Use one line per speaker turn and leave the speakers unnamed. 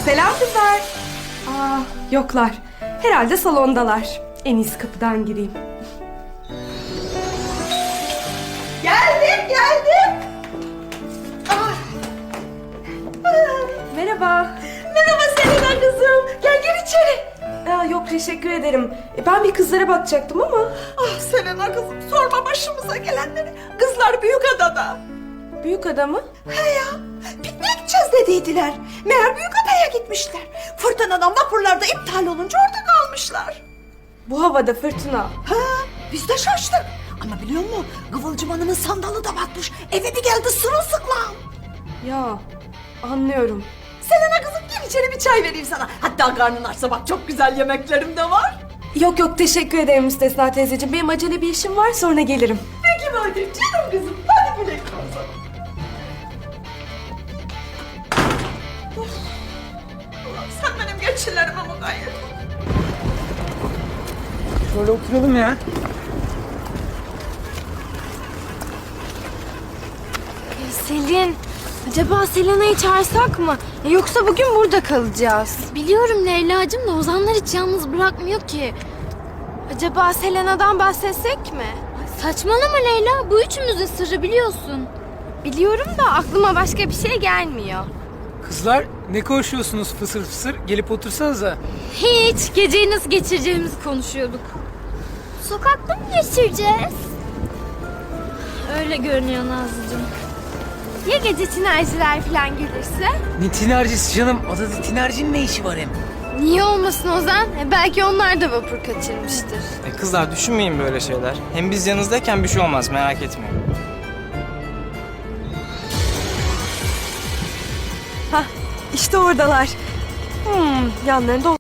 Selam kızlar. Aa, yoklar. Herhalde salondalar. En iyisi kapıdan gireyim.
Geldim.
Merhaba.
Merhaba Selena kızım. Gel içeri.
Aa, yok teşekkür ederim. Ben bir kızlara bakacaktım ama.
Ah Selena kızım, sorma başımıza gelenleri. Kızlar Büyükada'da.
Büyük adamı?
He ya, pikniğe gideceğiz dediydiler. Meğer Büyükada'ya gitmişler. Fırtınadan vapurlarda iptal olunca orada kalmışlar.
Bu havada fırtına.
Ha, biz de şaştık. Ama biliyor musun, Kıvılcım Hanım'ın sandalı da batmış. Eve bir geldi sırılsıklam.
Ya anlıyorum.
Selena kızım, gel içeri bir çay vereyim sana. Hatta karnın açsa bak, çok güzel yemeklerim de var.
Yok teşekkür ederim Müstesna teyzeciğim. Benim acele bir işim var, sonra gelirim.
Peki madem canım kızım, hadi güle güle. Of. Ulan sen benim geçilerime mukayyet ol.
Şöyle oturalım ya.
Selin, acaba Selena'yı çağırsak mı? Yoksa bugün burada kalacağız. Biliyorum Leyla'cığım da Ozanlar hiç yalnız bırakmıyor ki. Acaba Selena'dan bahsetsek mi? Saçmalama Leyla, bu üçümüzün sırrı biliyorsun. Biliyorum da aklıma başka bir şey gelmiyor.
Kızlar ne konuşuyorsunuz fısır fısır? Gelip otursanıza.
Hiç, geceyi nasıl geçireceğimizi konuşuyorduk. Sokakta mı geçireceğiz? Öyle görünüyor Nazlıcığım. Ya gece tinerciler falan gelirse?
Ne tinercisi canım? Adada tinercinin ne işi var hem?
Niye olmasın Ozan? Belki onlar da vapur kaçırmıştır.
Kızlar düşünmeyin böyle şeyler. Hem biz yanınızdayken bir şey olmaz, merak etmeyin.
Hah, işte oradalar. Yanlarında